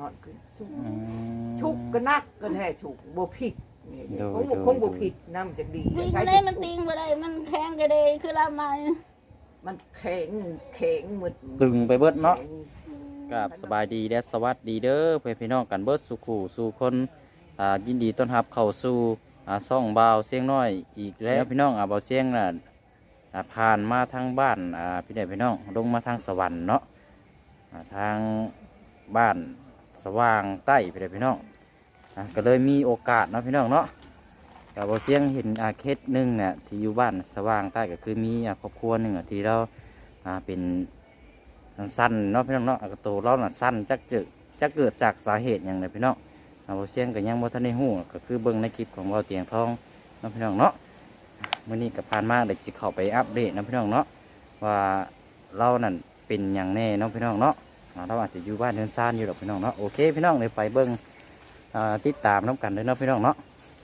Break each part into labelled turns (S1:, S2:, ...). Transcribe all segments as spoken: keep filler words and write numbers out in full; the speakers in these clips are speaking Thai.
S1: อนขึ้นสุกชุกก็นักก็แท้ชุกบ่ผิดนี่คงคงบ่ผิดน้ำจะดี
S2: วิ่งมาได้มันติงมาได้มันแข็งกระเดยคือละมา
S1: มันแข็งแข็งหมด
S3: ตึงไปเบิดเนาะกับสบายดีและสวัสดีเด้อเพื่อนพี่น้องกันเบิดสู่ขู่สู่คนอ่ายินดีต้อนรับเข้าสู่อ่าซ่องบ่าวเสียงน้อยอีกแล้วพี่น้องอ่าบ่าวเสียงน่ะอ่าผ่านมาทางบ้านอ่าพี่น้องพี่น้องลงมาทางสวรรค์เนาะอ่าทางบ้านสว่างใต้พี่น้องพี่น้องอ่าก็เลยมีโอกาสเนาะพี่น้องเนาะกับบ่าวเสียงเห็นอาเคสหนึ่งเนี่ยที่อยู่บ้านสว่างใต้ก็คือมีอ่าครอบครัวหนึ่งอ่ะที่เราอ่าเป็นสั้นเนาะพี่น้องเนาะกระโตเราน่ะสั้นจักเกิดจักเกิดจากสาเหตุอย่างไรพี่น้องเอาเสียงก็ยังบ่ทันได้ฮู้ก็คือเบิ่งในคลิปของเราเตียงทองเนาะพี่น้องเนาะมื้อนี้ก็ผ่านมาได้สิเข้าไปอัปเดตเนาะพี่น้องเนาะว่าเรานั่นเป็นอย่างแน่เนาะพี่น้องเนาะเราอาจจะอยู่บ้านเรือนซ่านอยู่ดอกพี่น้องเนาะโอเคพี่น้องเลยไปเบิ่งอ่าติดตามน้ำกันเลยเนาะพี่น้องเนาะ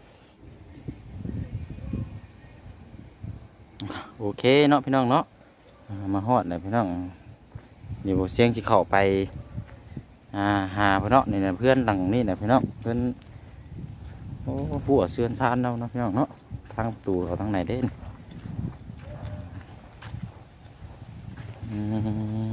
S3: โอเคเนาะพี่น้องเนาะมาฮอดเลยพี่น้องเดี๋ยวเสียงสิเข้าไปอ่าหาพี่น้องนี่นะเพื่อนหลังนี่นะพี่น้องเพื่อนโอ้ผัวเสื่อนซานเราเนาะพี่น้องเนาะทางประตูเขาทางไหนเด่นอืม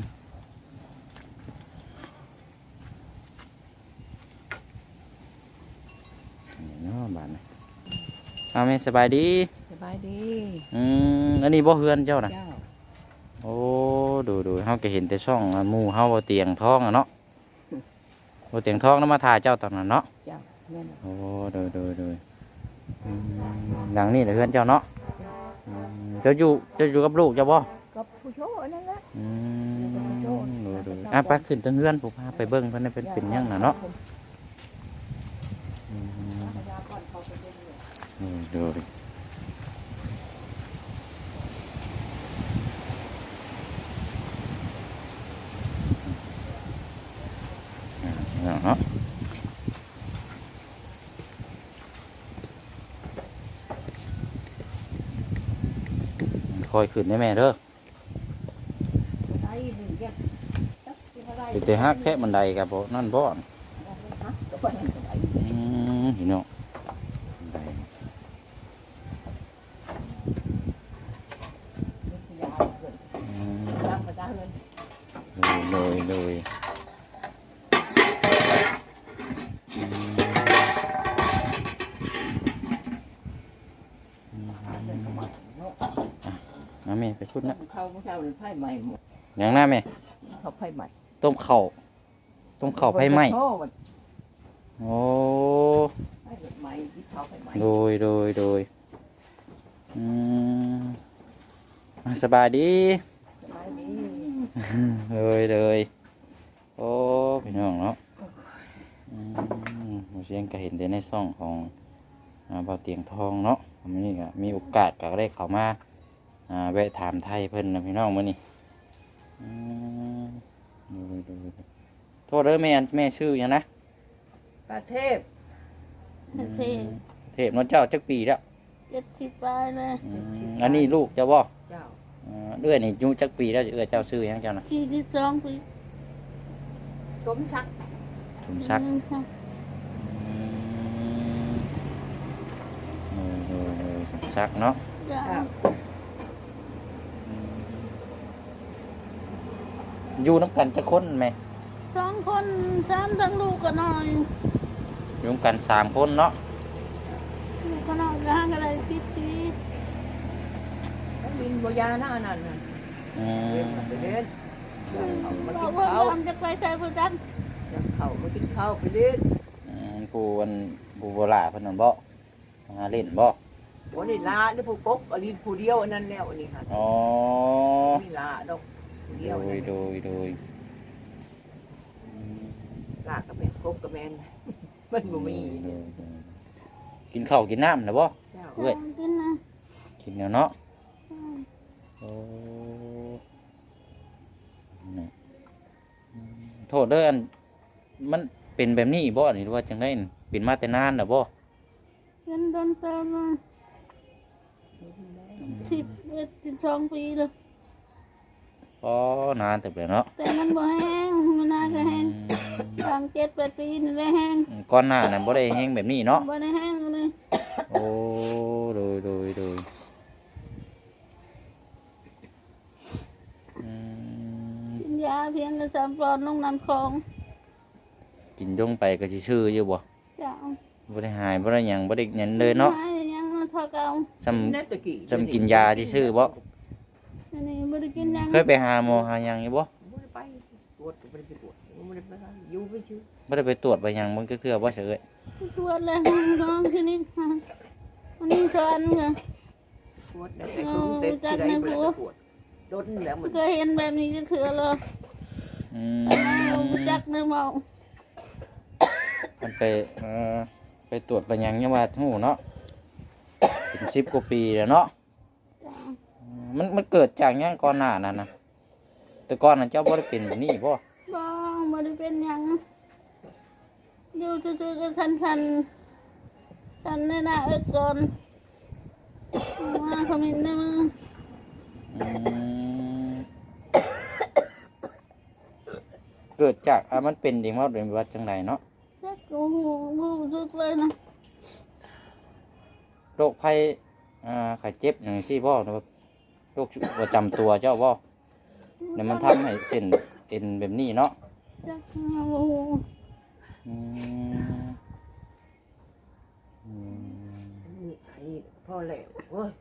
S3: เนาะบ้านนี่เอาแม่สบายดี
S1: สบายดี
S3: อืมอันนี้บ่เฮือนเจ้านะ
S1: เจ้า
S3: โอ้ดูดูเฮาก็เห็นแต่ช่องหมู่เฮาบ่เตียงท้องอะเนาะบ่เตียงท้องนำมาถ่ายเจ้าตอนนั้นเนาะ
S1: เจ้าแม่น
S3: โอ้ดูดูดูอืมหลังนี่แหละเพื่อนเจ้าเนาะอืมเจ้าอยู่เจ้าอยู่กับลูกเจ้าบ่
S1: กับผู้โชว์นั่นแหละ
S3: อืมดูดูอ่ะไปขึ้นทางเฮือนผมพาไปเบิ่งเพิ่นเป็นเป็นหยังน่ะเนาะอืมดูดิเนาะคอยขึ้นได้แม่เด้อติดแต่ฮักแค่บันไดกับบ่นั่นบ่อืมเห็นเนาะบันไดอืมเลยเลยเลยอืมน้าแม่ไปพูดนะ
S1: เข้าเช้าเลยไผ่ใหม่หมด
S3: อย่างน้าแม่
S1: เขาไผ่ใหม่
S3: ต้มเข่าต้มเข่าไฟไหม้โอ้
S1: ไผ่ใหม่ที่เขาไผ่ใหม่
S3: โดยโดยโดยอืมอ่ะสบายดี
S1: สบายดี
S3: เลยเลยโอ้พี่น้องเนาะอืมเราเชียงก็เห็นได้ในช่องของอ่าเบาเตียงทองเนาะวันนี้ก็มีโอกาสก็ได้เข้ามาอ่าแวะถามไทยเพิ่นนะพี่น้องมื้อนี้อืมดูดูดูโทษเด้อแม่แม่ชื่อหยังนะ
S1: ประเทศ
S2: เทพ
S3: เทพน้องเจ้าจักปีแล้ว
S2: เจ็ดสิบปลายเลย
S3: อืมอันนี้ลูกเจ้าบ่
S1: เจ้า
S3: อ่าเอื้อยนี่อายุจักปีแล้วเอื้อยเจ้าชื่อหยังเจ้านะ
S2: สี่สิบสองปี
S1: สมชัก
S3: ถุมซัก
S2: อืมค่ะ
S3: อืมเออเออเออถุมซักเนาะ
S2: จ้า
S1: เจ้า
S3: อยู่น้ำกันจะคนไหม
S2: สองคนสามทั้งลูกก็น้อย
S3: อยู่น้ำกันสามคนเนาะ
S2: ลูกก็น้อยก็ห่างกันเลยสิบปี
S1: แล้วบินบยาหน้านั่นน่ะ
S3: อื
S1: เรียน
S3: ม
S1: มาไปเรียนเขามา
S2: บอ
S1: กิ
S2: ก
S1: น
S2: ว่า
S1: ข้าว
S2: ทำจะไปใส่ผู้จัน
S1: เขามากินข้าวไปเรียน
S3: อืมผู้วันผู้โบราณเพิ่นนั่นบ่หาเล่นบ่
S1: วันนี้ลาหรือผู้ปกอลินผู้เดียวอันนั้นแล้วอันนี้ค่ะ
S3: อ๋อ
S1: มีลาดอกผู้เดี
S3: โด
S1: ยวย
S3: โดยโดยอืม
S1: ลากระแมนกบกระแมน มันบ่มี
S3: โดยโดยกินข้าวกินน้ำนะบ่
S1: เจ้า
S3: เว้ย
S2: กินนะ
S3: กินแล้วเนาะ
S2: อืม
S3: โอ้นี่อืมโทษเด้ออันมันเป็นแบบนี้บ่นี่หรือว่าจังได๋เป็นมาแต่นานน่ะบ่
S2: กินโดนเติมมาสิบเอ็ดสิบสองปีเลย
S3: อ๋อนานแต่แล้วเนาะ
S2: แต่มันบ่แห้งมันน่าจะแห้ง
S3: อืม
S2: ทางเจ็ดแปดปีนี่ได้แห้ง
S3: อืมก่อนหน้านั้นบ่ได้แฮงแบบนี้เนาะ
S2: บ่ได้แห้งเลย
S3: โอ้โดยโดยโดยอืม
S2: กินยาเพียงกระจำปอนลงน้ำคลอง
S3: กินลงไปก็สิชื่ออยู่บ่
S2: จ้า
S3: บ่ได้หายบ่ได้หยังบ่ได้หยังเลยเนาะ
S2: หยังเท่าเก่า
S3: ซ้ำ
S1: แน่ตะกี้
S3: ซ้ำกินยาที่ชื่อบ่
S2: อันนี้บ่ได้กินหยัง
S3: เคยไปหาหมอหาหยังอยู่บ่
S1: บ่ได้ไปตรวจก็บ่ได้ไปตรวจบ่ได้ไปอยู่ไปชื่อ
S3: บ่ได้ไปตรวจไปหยังมันก็คือบ่เฉย
S2: ตรวจเลยน้องที่นี่ค่ะวันนี้สอนค่ะ
S1: ตรวจแล้วแต่คือเต็มที่ใดบ่ได้ไปตรวจจนแล้วมัน
S2: เคยเห็นแบบนี้ก็คือเลย
S3: อืม
S2: รู้จักเนื้อเมา
S3: มันไปเอ่อไปตรวจไปหยังยังว่าฮู้เนาะเป็นสิบกว่าปีแล้วเนาะ
S2: จ้า
S3: อืมมันมันเกิดจากหยังก่อนหน้านั้นน่ะแต่ก่อนนั้นเจ้าบ่ได้เป็นแบบนี้บ่
S2: บ้องบ่ได้เป็นหยังอยู่จู่ๆก็สันสันๆสันในหน้าเอิดก่อนมาขมิ้นในมือ
S3: อืมเกิดจากอ่ะมันเป็นเองว่าเป็นวัดจังไดเนาะ
S2: จักโอ้โหรู้สึกเลยนะ
S3: โรคภัยอ่าไข้เจ็บอย่างที่บ่หรือว่าโรคประจำตัวเจ้าบ่เนี่ยมันทำให้เส้นเอ็นแบบนี้เนาะ
S2: จักโอ้โห
S3: อืมอืม
S1: นี่ไอ้พ่อแล้วโอ้ย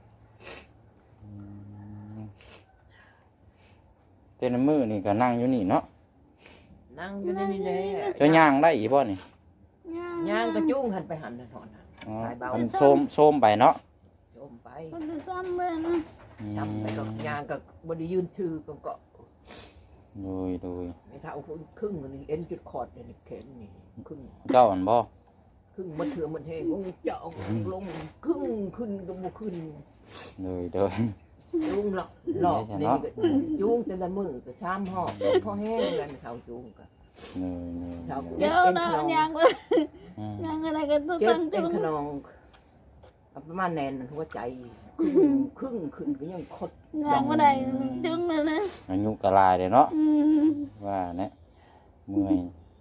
S3: แต่ในมือนี่ก็นั่งอยู่นี่เนาะ
S1: นั่งอยู่ในนี่แหละ
S3: เจ้าย่างได้อีบ่นี่
S1: ย่างกระจุ้งหันไปหันหันถอนหัน
S3: อ๋อ
S1: สายเบา
S3: มันโซมโซมไปเนาะ
S1: โจมไป
S2: มันจะซ้ำเลยนะ
S3: อืม
S1: จำไปกับย่างกับบไดียืนชื่อก็เกาะ
S3: โดยโดย
S1: ไม่เท่าคนครึ่งมันเอ็นจุดคอร์ดเนี่ยนี่แขนนี่ครึ่ง
S3: เจ้าอันบ่
S1: ครึ่งมันเถื่อมันแห้งงเจาะลงครึ่งขึ้นก็บ่ขึ้น
S3: โดยโดย
S1: จุ้งหลอกหลอกนี่ก็จุ้งแต่ละมือก็ชามหอบพอแห้งแล้วไม่เท่าจุ้งก็
S3: โดยโดย
S1: เท่า
S2: เดี๋ยวนะยังเลย
S3: อืม
S2: ยังอะไรกันต้อง
S1: เจ็
S2: ตั้
S1: บ
S2: ง
S1: เป็น
S2: จุง
S1: ขนองประมาณแนนหัวใจครึ่งครึ่งขึ้นก็ยังคด
S2: ยังไม่ได้จุงเลยนะ
S3: อายุกะลายเลยเนาะ
S2: อืม
S3: ว่าเนี่ยเมื่อย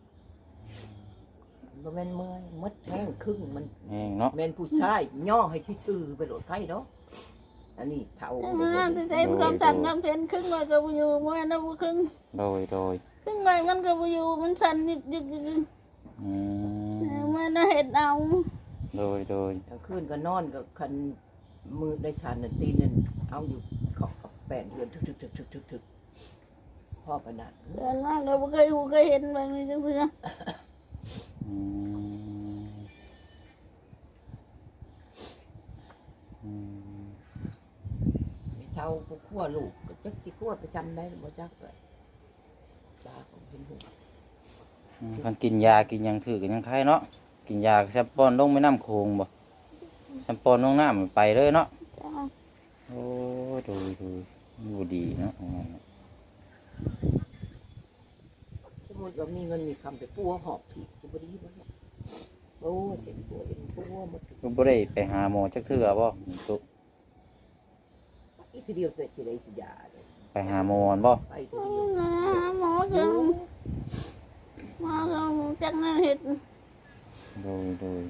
S1: บ่แม่นเมื่อยมดแห้งครึ่งมัน
S3: แห้งเนาะ
S1: แม่นผู้ชายย่อให้ชื่อๆไปโหลดไข่เนาะอันนี้เท่า
S2: แต่มาที่ใจมันกำจัดกำเพ็นครึ่งใบก็บ่อยู่มันนะบ่ครึ่ง
S3: โดยโดย
S2: ครึ่งใบมันก็บ่อยู่มันสั่นยึกยึกยึก
S3: อืม
S2: มันน่ะเห็ดเอา
S3: โดยโดย
S1: กลางคืนก็นอนกับคันมือได้ชานน่ะตีนนั่นเอาอยู่ขอบกับแป้นเดือนทึกๆๆๆพ่อประดัด
S2: เดินมาก็บ่เคยหูเคยเห็นแบบนี้จังซี่
S3: อืมอืม
S1: ไม่เท่าผู้ขั้วลูกก็จักสิขั้วประจำได้บ่จักก็จ้าของเห็นหู
S3: อืมคันกินยากินหยังถือกันยังไข้เนาะกินยาแซมปอนลงไม่น้ำโคงบ่แซมปอนลงน้ำมันไปเลยเนาะ
S2: จ้า
S3: โอ้ดูดูดูดีเนาะ
S1: สมมุติว่ามีเงินมีคำไปปัวหอบถีบจะบ่ดีบ่เนาะโอ้เจ็บปวดเป็นปัวหมด
S3: ก็บ่ได้ไปหาหมอจักเทื่อบ่ตุ
S1: อีกทีเดียวเสร็จสิได้สิยาเลย
S3: ไปหาหมอบ่
S1: ไปทีเดียว
S2: นะหมอจังหมอก็จักน่ะเฮ็ด
S3: โดยโดย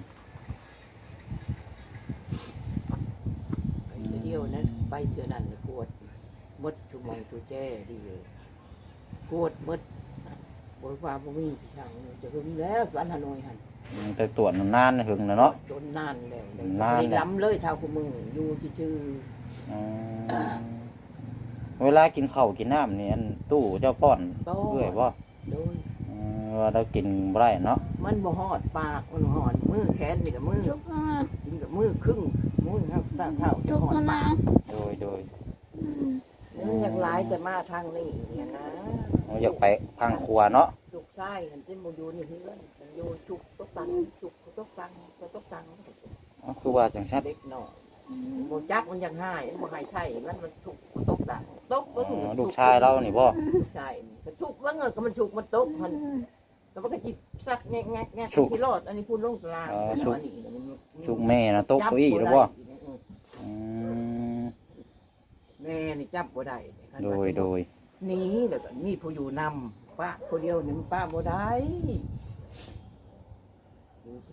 S1: ไปทีเดียวนั้นไปเทื่อนั้นน่ะปวดหมดชั่วโมงตัวแจ้ดีเลยปวดหมดบ่ว่าบ่มีพี่ช่างจะหึงแล้วสวนฮานอยหั่น
S3: อืมไปตรวจนานๆหึงนะเนาะ
S1: จนนานแล้ว
S3: นาน
S1: ล้ำเลยเท่าคู่มืออยู่ชื่อ
S3: อืมเวลากินข้าวกินน้ำนี่อันตู้เจ้าป้อนเรื่อยบ่
S1: ๆโดย
S3: อืมว่าเรากินบ่ได้เนาะ
S1: มันบ่ฮอดปากมันฮอดมือแขนนี่กับมือ
S2: จุกนะ
S1: กินกับมือครึ่งมือครับตาเท่าจะ
S2: จุก
S1: ฮอด
S2: นะ
S1: ปาก
S3: โดยโดย
S1: มันอยากหลายจะมาทางนี้เนี่ยนะ
S3: เราอยากไปทางครัวเนาะ
S1: จุกไส้มันจะบ่อยู่นี่เฮือนมันอยู่จุกตกตังจุกตกตังตกตัง
S3: อ๋อคือว่าจังซั่น
S1: เด็กน้อยบ่จักมันยังหายบ่ให้ใช่มันมันฉุกตกตังตก
S3: อ๋
S1: เบิ่ง
S3: อลูกชายเรานี่บ่
S1: ลูกชายนี่ก็ฉุกเบิ่งก็มันฉุกมันตกมันแล้วมันก็จิบซักแงะแงะแงะสิรอดอันนี้พูดลงตารางอันนี้
S3: ชุกแม่นะตกเก้าอี้หรือบ่อืม
S1: แม่นี่จับบ่ได้
S3: โดยโดย
S1: หนีแล้วก็มีผู้อยู่นำป้าผู้เดียวนี่มันป้าบ่ได้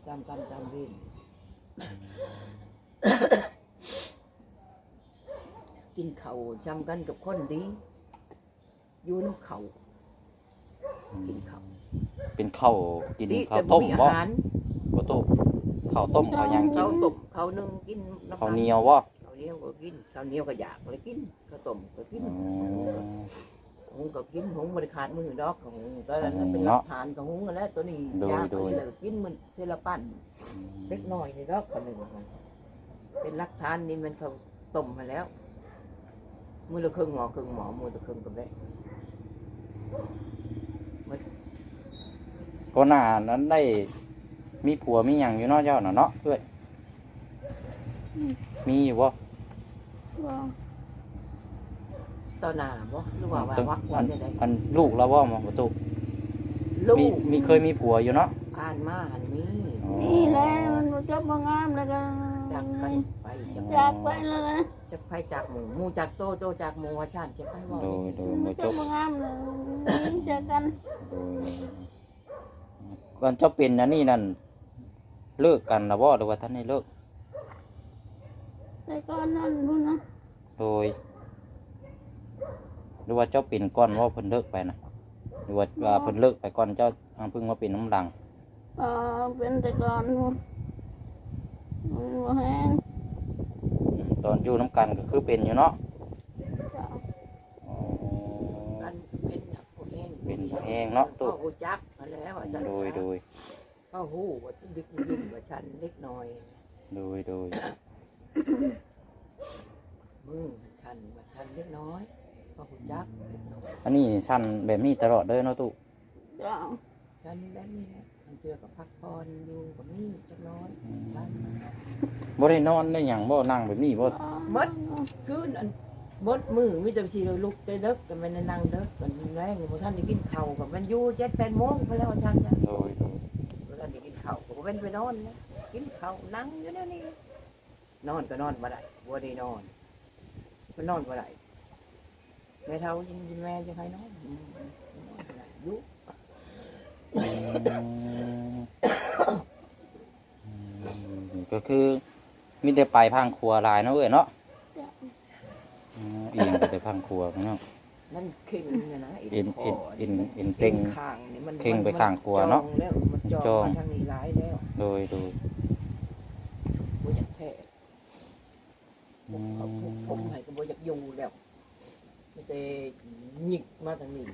S1: จำกรรมจำเวรกินเขาวจำกันกับคนดีอยู่น้ำเขากินเขาว
S3: เป็นข้าวกิน
S1: ดี
S3: ข้าว
S1: แต่
S3: ต้ม
S1: อา
S3: บ่
S1: หาร
S3: บ่ตุข้าวต้มข้าวหยังกิ
S1: ข้าวน ต้มข้าวนึ่งกินำ
S3: ข้าวเหนียวบ่
S1: ข้าวเหนียวก็กินข้าวเหนียวก็อยากเลยกินข้าวต้มก็กิน
S3: อืม
S1: หุงก็กินหุงบริขาดมือดอกของตอนนั้น
S3: อืม
S1: เป็นห
S3: เนาะ
S1: ลักฐานของหุงกันแล้วตัวนี้
S3: โดย
S1: ยาก
S3: โด
S1: ไป
S3: ย
S1: เลยกินมันเทละปั้นเล็กน้อยในดอกคนหนึ่งมันเป็นหลักฐานนี่มันเขาต้มมาแล้ว มือละครึ่งหมอครึ่งหมอมือละครึ่งกับแม่
S3: ก็หน้านั้นได้มีผัวมีหยังอยู่เนาะเจ้าน่ะเนาะเอ้ยมีอยู่บ่
S2: บ่
S1: ต่อหน้าบ่หรือว่าว่า
S3: ตึง
S1: วัก
S3: อั
S1: วัน
S3: น
S1: ได้
S3: อันลูกแล้วบ่มาบ่ตุ
S1: ลู
S3: มี
S1: ก
S3: มีเคยมีผัวอยู่เนาะ
S1: อ่านมาหันมี
S3: อ๋อ
S2: นี่แหละมันบ่จบบ่งามแล้วก็
S1: จากกันไปจาก
S2: อยากไปแล้วนะ
S1: จะไปจากหมูหมูจากโตโตจากหมูว่าชาติจะไปว่า
S3: โดยโดย
S2: บ่
S3: บ่
S2: จ
S3: จ
S2: บบ บ่งามเลยนี่เจอกัน
S3: โดยก่อนเจ้าเป็นอันนี้นั่นเลิกกันแล้วบ่หรือว่าท่านได้เลิก
S2: แต่ก่อนนั้นพุ่นนะ
S3: โดยหรือว่าเจ้าเป็นก่อนว่าเพิ่นเลิกไปนะหรือว่าว่าเพิ่นเลิกไปก่อนเจ้าอ่าเพิ่งมาเป็นน้ำดัง
S2: เออเป็นแต่ก่อนพุ่นมันบ่แห้ง
S3: ตอนอยู่น้ำกันก็คือเป็นอยู่เนาะ
S2: จ้ะ
S3: อ๋อ
S1: กันเป็นนักผู้แห้ง
S3: เป็นแห้งเนาะ
S1: ตั
S3: ตุ
S1: วหูจักมาแล้วว่าฉัน
S3: โดยโดย
S1: ก็หูว่าดึกดึกว่าฉันเล็กน้อย
S3: โดยโดย
S1: มือฉันว่าฉันเล็กน้อยก็หูจักเล็กน้อย
S3: อันนี้สั้นแบบนี้ตลอดเด้อเนาะตุ
S2: จ้ะ
S1: ฉันแบบนี้นะมันเจอกับพักผ่อนอยู่กับนี่จักน้อยฉัน
S3: บ่ได้นอนได้หยังบ่นั่งแบบนี้บ่
S1: มด คืนอันบดมือมิจะชีเลยลุกใจเด็กกันมันนั่งเด็กกันแรงพอท่านได้กินข้าวกับมันอยู่เจ็ดแปดโมงไปแล้วฉันจ้ะ
S3: โดยโดย
S1: พอท่านได้กินข้าวก็เป็นไปนอนนะกินข้าวนั่งอยู่เนี่ยนี่นอนก็นอนมาได้บัวได้นอนก็นอนมาได้แม่เท่ายิงแม่จะให้นอนอืมนอนบ่ได้อยุ
S3: อืมอืมก็คือมีแต่ไปพังครัวหลายเนาะเอ้ยเนาะ
S2: จ้ะ
S3: อืมเอียงไปแต่พังครัวเนาะ
S1: มันเข่งเนี่ยนะ
S3: เอ็น
S1: ค
S3: เอ็นเอ็นเอ็น
S1: เข่
S3: เข่ง
S1: งข้างนี่มัน
S3: เข่งไปข้างครัวเนาะ
S1: จองแล้วมันจอง
S3: จอง
S1: มาทางนี้หลายแล้ว
S3: โดยโดย
S1: บ่อยากแพ้
S3: อืม
S1: เขาทุกผมให้ก็บ่อยากอยู่แล้วมันจะหยิกมาทางนี้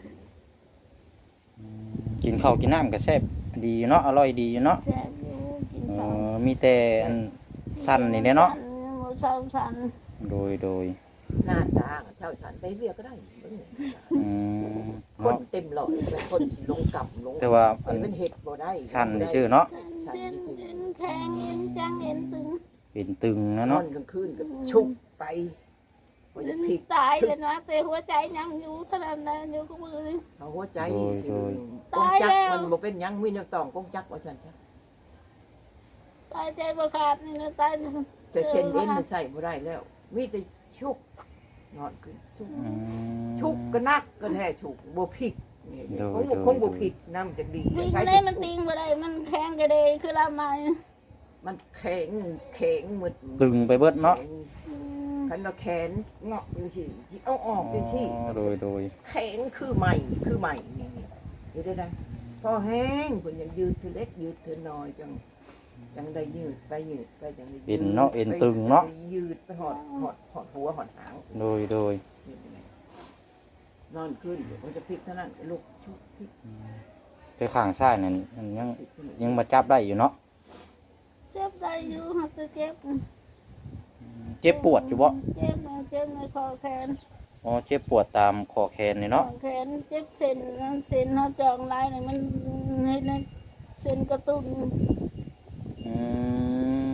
S3: กินข้าวกินน้ำก็แซ่บดีอยู่เนาะอร่อยดีอยู่เนาะ
S2: แซ่บอยู่กิน
S3: เอ
S2: ข้าว
S3: อมีแต่อันสั้นนี่แหละเนาะ
S2: สั่บ่เศร้าสั่น
S3: โดยโดย
S1: หน้าตาเจ้าฉันไปเรียกก็ได้เบิ่ง
S3: อืม
S1: คน
S3: เนาะ
S1: เต็มหลอดเป็นคนสิลงกลับลง
S3: แต่ว่า
S1: ไปเป็นเห็ดบ่ได้
S3: สั้นนี่ชื่อเนาะ
S2: เส้นเส้นแข็งเอ็นจังเอ็นตึง
S3: เป็นตึงนะ
S1: นอ
S3: เนาะ
S1: นกลางคืนก็ชุบไปบ่อยากพลิก
S2: ตายเลยนะแต่หัวใจยังอยู่ขนาดนั้นอยู่กับมือนี่
S1: เอาหัวใจ
S3: โดย
S1: สิ
S3: โดย
S1: กงจัก
S2: ตายแล้ว
S1: มันบ่เป็นหยังมีน้ำตองกงจักว่าฉันจ้ะ
S2: ตายใจประขาดนี่นะตาย
S1: จะเช่นเอ็นมันใส่บ่ได้แล้ว มีแต่ชุกนอนขึ้นสุก
S3: อืม
S1: ชุกก็นักก็แท้ชุกบ่พลิกนี่
S3: โดย
S1: คงบ่
S3: โดย
S1: คงบ่พลิกน้ำจะดี
S2: วิ่ง
S1: ใช้
S2: ได้มันติงบ่ได้มันแข็งกระเดยคือลามา
S1: มันแข็งแข็งหมด
S3: ตึงไปเบิดเนาะ
S1: แข็งคันว่าแขนเงาะจังซี่เอาออกจังซี่
S3: อ๋อโดยโดย
S1: แข็งคือใหม่คือใหม่นี่นี่อยู่ได้ได้พอแห้งเพิ่นยังยืดเธอเล็กยืดเธอน้อยจังจังได้ยืดไปยืดไปจังได้ยืด
S3: เอ็นเนาะเอ็นตึงเนาะ
S1: ไปยืดไปหอดหอดหอดหัวหอดหาง
S3: โดยโดย
S1: นี่ไงนอนขึ้นเดี๋ยวมันจะพลิกเท่านั้นลุกชุบพลิก
S3: แต่ข้างซ้ายนั่นมันยัง
S1: พลิกที่นี่
S3: ยังมาจับได้อยู่เนาะ
S2: เจ็บได้อยู่หักจะเจ็บ
S3: เจ็บปวดอยู่บ่
S2: เจ็บนะเจ็บในคอแขน
S3: อ๋อเจ็บปวดตามคอแขนนี่เนาะ
S2: คอแขนเจ็บเส้นเส้นเขาจองลายนี่มันให้ในเส้นกระตุ้น
S3: อืม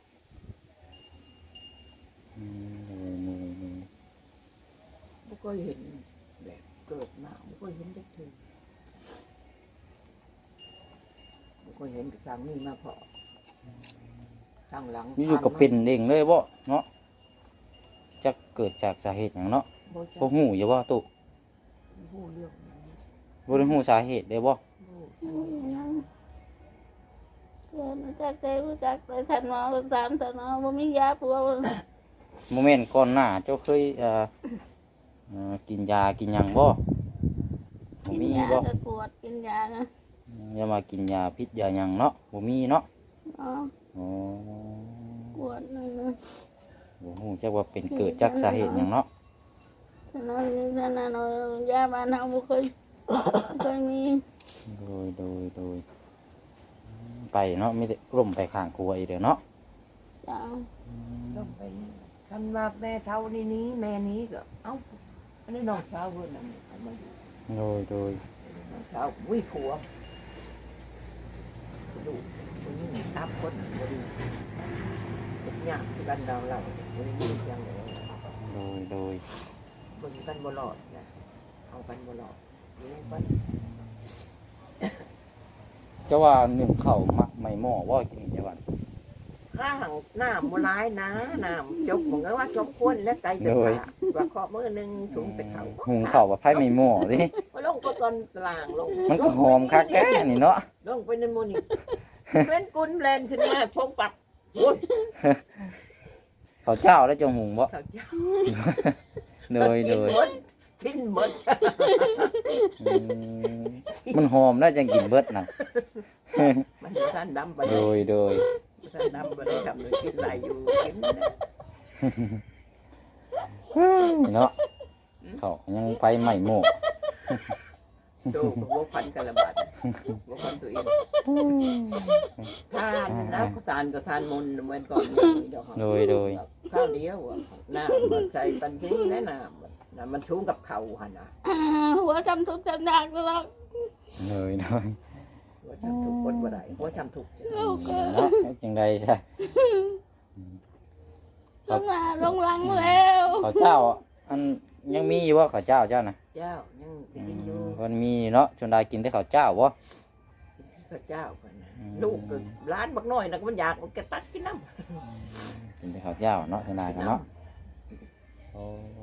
S3: อืม
S1: ไม่เคยเห็นแบบเกิดมาไม่เคยเห็นได้ถึงไม่เคยเห็นกระชังนี่มาพอทางหลัง
S3: อยู่ๆก็เป็นเองเลยบ่เนาะจะเกิดจากสาเหตุหยังเนาะ
S1: บ่
S3: บ่
S1: จัก
S3: ฮู้อยู่บ่ตุ
S1: ผู้เรื่องนั้น
S3: บ่ได้ฮู้สาเหตุได้บ่
S1: ผู้
S2: อืมยังเกิดอะไรจักใจบ่จักไปท่านหมอก็ถามท่านหมอบ่มียาปัวบ่
S3: โมเมนต์ก่อนหน้าเจ้าเคยเอ่อเอ่อกินยากินหยังบ่บ่
S2: กิน
S3: มี
S2: ยา
S3: บ่
S2: ก็ปวดกินยานะ
S3: อย่ามากินยาพิษยาหยังเนาะบ่มีเนาะ
S2: อ๋อ
S3: อ๋อ
S2: ปวดนั่นนะ
S3: บ่ฮู้จักว่าเป็นเกิดจากสาเหตุหยังเนาะ
S2: ท่านนอนนี่ท่านนอนยาบ้านเฮาบ่เคยบ่เคยมี
S3: โดยโดยโดยไปเนาะมีแต่กลุ่มไปข้างครัวอีกเด้อเนาะ
S2: จ้า
S1: ต้องไปคันว่าแม่เท่านี้นี้แม่นี้ก็เอ้าอันนี้น้องสาวเพิ่นน่ะเอามาอยู่
S3: โดยโดย
S1: น้องสาววิ่งผัวดูคนนี้ทับคนบ่ดีทุกอย่างที่กันดาวเราบ่ได้อยู่อย่างเดียว
S3: โดยโดย
S1: เบิ่งกันบ่รอดนะเอากันบ่รอดอยู่กัน
S3: เจ้าว่าหนึ่งข้าวมักไม่หม้อว่ากินจังหวัด
S1: ข้างน้ำบ่ร้ายนะน้ำจกเหมือนกับว่าจกคนและไก่ตะขาว่าเคาะมือหนึงถุงไปเขา
S3: หุงข้าวว่าไผไม่หม้อดิ
S1: ว่าลงไปก่อนกลางลง
S3: มันก็หอมคักแท้นี่เนาะ
S1: ลงไปในหมูนี่เป็นกุนแลนขึ้นมาพงปักโอ้ย
S3: ข้าวเจ้าแล้วจะหุงบ่
S1: เขาเจ้า
S3: โดยโดย
S1: ทิ้นหมด
S3: อืมมันหอมน่าจะกินเบิดน่ะ
S1: มันอยู่ท่านดำไป
S3: โดยโดย
S1: ท่านดำไปได้ทำเลยกินไหลอยู่กินนะ
S3: เนาะเขายังไปใหม่หม้อ
S1: ดูหัวพันกันละบาดหัวพันตัวเองทานนะก็ทานก็ทานมนต์เหมือนก่อนนี่ดอก
S3: โดยโดย
S1: ข้าวเดียวอะน้ำมันใส่ปันนี้แนะน้ำน้ำมันชุ่มกับเข่าหันนะ
S2: อ่าหัวจำทุกข์จำยากตลอด
S3: โดยโดย
S1: หัวทำถูกคนบ่ได้หัวทำถูก
S2: ลูกก็
S3: เนาะจังใดใช่
S2: ลงมาลงหลังแล้ว
S3: ข้าวเจ้าอันยังมีอยู่ว่าข้าวเจ้าเจ้านะ
S1: เจ้ายังไปกินอยู่
S3: มันมีเนาะชนได้กินแต่ข้าวเจ้าบ่
S1: พระเจ้ากันนะ
S3: อืม
S1: ลูกก็ร้านบักน้อยนะก็มันอยากมันก็ตัดกินน้
S3: กินแต่ข้าวเจ้าเนาะชนได้
S1: ำ
S3: กันเนาะโอ้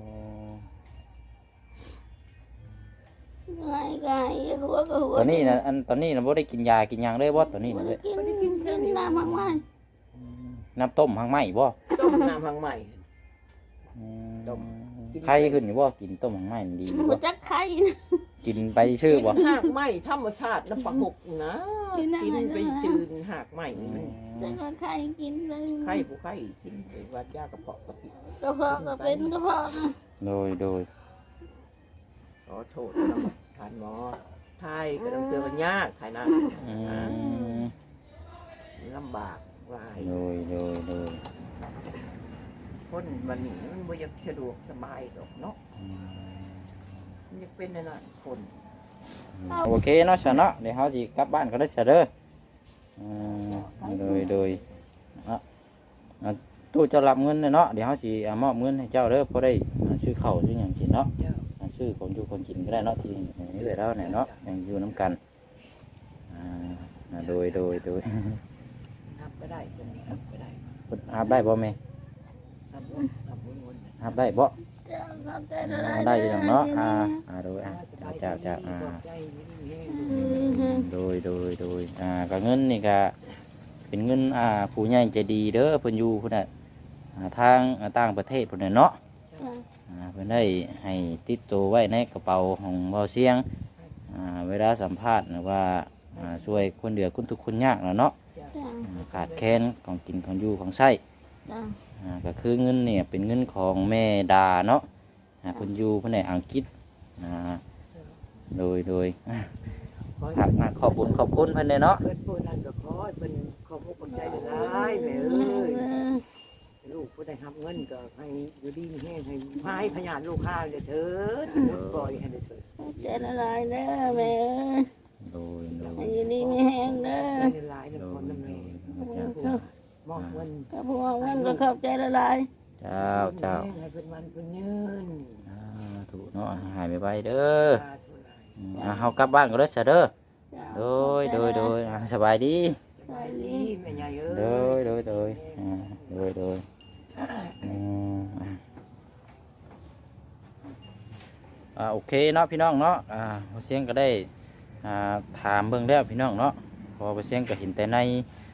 S2: ไงไงหัวก็หัว
S3: ตอนนี้นะอันตอนนี้นะบ่ได้กินยากินหยังเลยบ่ตอนนี้นะเลย
S2: กินกินน้ำมากมาย
S3: น้ำต้มหางไหมบ่
S1: ต้มน้ำพังใหม่
S3: อืม
S1: ต้มกิน
S3: ไข้ขึ้นอยู่บ่กินต้มหางไหมมันดีอยู่
S2: หัว
S3: บ่
S2: จักไข่
S3: กินไปชื่อบ่
S1: กินหากไหมธรรมชาติน้ำปลาหกนะกินไปจืนหากไหมมัน
S2: จักไข่กินเลย
S1: ไข้ผู้ไข้กินไปวัดยากระเพาะกระปิด
S2: กระเพาะก็เป็นกระเพาะนะ
S3: โดยโดย
S1: ขอโทษนะทานหมอไทยก็ต้องเจอกันยากไทยนะ
S3: อืม
S1: ลำบากหลาย
S3: โดยโดยโดย
S1: คนวันนี้มันบ่อยากสะดวกสบายดอกเนาะ
S3: อืม
S1: มันอยากเป็นนั่นน่ะคน
S3: โอเคเนาะซะเนาะเดี๋ยวเฮาสิกลับบ้านก็ได้ซะเด้ออืมโดยโดยอ่ะอ่ะตู้เจ้ารับเงินเนาะเดี๋ยวเฮาสิอ่ะมอบเงินให้เจ้าเด้อพอได้อ่ะซื้อข้าวซื้อหยังกินเนาะ
S1: เจ้า
S3: อ่ะซื้อของอยู่คนกินก็ได้เนาะที่นี่เลยแล้วเนี่ยเนาะยังอยู่น้ำกันอ่าอ่ะโดยโดยโดย
S1: นับก็ได้คนนี้นับก็ได้
S3: เพิ่นหับได้บ่แม่
S1: นับนับวนๆ
S3: หับได้บ่
S2: เจ้าขอบใจละ
S3: อ่า
S2: ลาย
S3: ได้อยู่แล้วเนาะอ่าอ่าโดยอ่ะเจ้าเจ้าอ่า
S1: ใจดี
S2: อืม
S3: โดยโดยโดยอ่าก็เงินนี่ก็เป็นเงินอ่าผู้ใหญ่ใจดีเด้อเพิ่นอยู่พุ่นน่ะอ่าทางอ่าต่างประเทศพุ่นน่ะเนาะ
S2: จ้ะ
S3: อ่าเพิ่นได้ให้ติดตัวไว้ในกระเป๋าของเบาเสียงอ่าเวลาสัมภาษณ์หรือว่าอ่าช่วยคนเดือดคนทุกข์คนยากแล้วเนาะ
S2: จ้ะ
S3: อ่าขาดแคลนของกินของอยู่ของใช้
S2: จ้ะ
S3: อ่าก็คือเงินเนี่ยเป็นเงินของแม่ดาเนาะอ่าเพิ่นอยู่เพิ่นในอังกฤษอ่าโดยโดยอ่า
S1: ๆ
S3: ฝากมาขอบคุญขอบคุณเพิ่นเลยเนาะ
S1: เพิ่นผู้นั้นก็ขอให้เพิ่นขอบคุณใจหลายแม่เอ้ยลูกผู้ได้รับเงินก็ให้อยู่ดีมีแห้งให้พายพยานลูกค้าเลยเถิดปล่อยให้ได้เถิด
S2: ขอบใจละลายเด้อแม่เอ้ย
S3: โดยโดย
S2: ให้อยู่ดีมีแห้งเด้อ
S1: ได้หลายๆ
S3: โด
S1: นะคน
S3: ย
S1: นั้น
S3: โด
S1: แม่
S3: ย
S1: มอบเงิน
S2: กับพวกมันก็ขอบใจละลาย
S3: เจ้าเจ้า
S1: ให้เป็นวันเป็นยืน
S3: อ่าถูกเนาะหายไปไปเด้อ
S1: สาธุหลาย
S3: อืมอ่าเฮากลับบ้านก็ได้อเสยเด้อ
S2: จ้ะ
S3: โดยโดยโดยอ่าสบายดี
S1: สบายดีแม่ใหญ่เอ้
S3: โด
S1: ย
S3: ยโดยโดยอ่าโดยโดยอืมอ่าอ่าโอเคเนาะพี่น้องเนาะอ่าพอเสียงก็ได้อ่าถามเบิ่งแล้วพี่น้องเนาะพอพอเสียงก็เห็นแต่ใน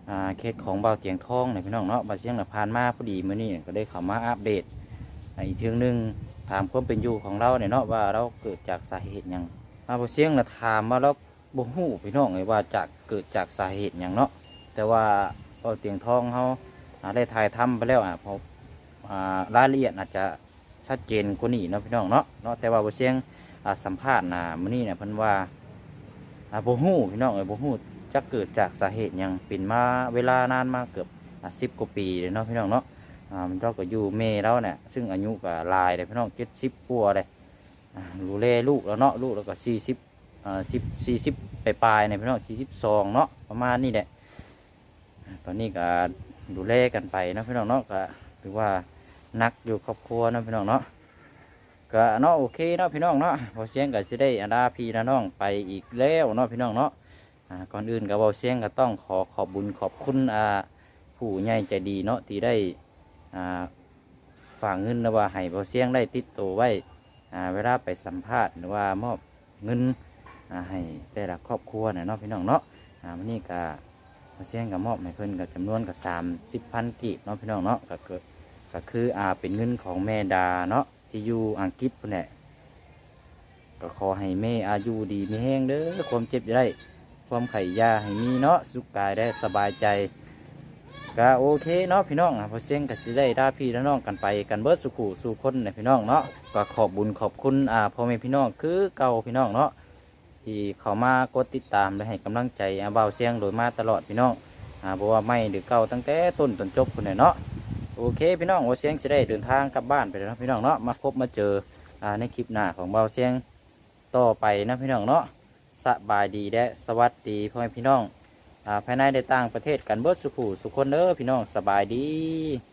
S3: อ่าเคสของเบาเตียงทองเนี่ยพี่น้องเนาะเบาเสียงน่ะผ่านมาพอดีมื้อนี้ก็ได้เข้ามาอัปเดตอีกเทื่องหนึงถามความเป็นอยู่ของเราเนี่ยเนาะว่าเราเกิดจากสาเหตุหยังมาเบาเสียงน่ะถามมาแล้วบ่ฮู้พี่น้องเลยว่าจากเกิดจากสาเหตุหยังเนาะแต่ว่าเบาเตียงทองเขาอ่าได้ถ่ายทำไปแล้วอ่ะเพราะอ่ารายละเอียดอาจจะชัดเจนกว่านี้เนาะพี่น้องเนาะเนาะแต่ว่าเบาเสียงอ่าสัมภาษณ์น่ะมื้อนี้เนี่ยเพิ่นว่าอ่าบ่ฮู้พี่น้องเอ้ยบ่ฮู้ จะเกิดจากสาเหตุหยังเป็นมาเวลานานมาเกือบสิบกว่าปีเลยเนาะพี่น้องเนาะอ่ามันเราก็อยู่เมแล้วเนี่ยซึ่งอายุก็หลายเลยพี่น้องเจ็ดสิบปัวเลยอ่าดูแลลูกแล้วเนาะลูกแล้วก็สี่สิบอ่าสิบสี่สิบปลายๆเนี่ยพี่น้องสี่สิบสองเนาะประมาณนี้แหละตอนนี้ก็ดูแลกันไปเนาะพี่น้องเนาะก็ถือว่านักอยู่ครอบครัวเนาะพี่น้องเนาะก็เนาะโอเคเนาะพี่น้องเนาะพอเสียงก็จะได้อาดาพี่นาน้องไปอีกแล้วเนาะพี่น้องเนาะ ก่อนอื่นกับเบาเสียงก็ต้องขอขอบบุญขอบคุณผู้ใหญ่ใจดีเนาะที่ได้ฝากเงินหรือว่าให้เบาเสียงได้ติดตัวไว้เวลาไปสัมภาษณ์หรือว่ามอบเงินให้แต่ละครอบครัวเนาะพี่น้องเนาะวันนี้ก็เบาเสียงกับมอบให้เพิ่นกับจำนวนกับสามสิบพันกีบเนาะพี่น้องเนาะก็เกิดก็คืออ่าเป็นเงินของแม่ดาเนาะที่อยู่อังกฤษพุ่นแหละก็ขอให้แม่อายุดีมีแห้งเด้อความเจ็บจะได้ความไข่ยาให้มีเนาะสุขกายได้สบายใจก็โอเคเนาะพี่น้องพอเสียงก็สิได้ด่าพี่และน้องกันไปกันเบิดสุขุสู่คนในพี่น้องเนาะก็ขอบบุญขอบคุณอ่าพ่อแม่พี่น้องคือเก่าพี่น้องเนาะที่เขามากดติดตามและให้กำลังใจอ่าเบาเสียงโดยมาตลอดพี่น้องอ่าบอกว่าไม่หรือเก่าตั้งแต่ต้นจนจบคนไหนเนาะโอเคพี่น้องเบาเสียงจะได้เดินทางกลับบ้านไปแล้วนะพี่น้องเนาะมาพบมาเจออ่าในคลิปหน้าของเบาเสียงต่อไปนะพี่น้องเนาะสบายดีและสวัสดีพ่อแม่พี่น้องภายในได้ต่างประเทศกันเบิดสุขุสุคนเด้อพี่น้องสบายดี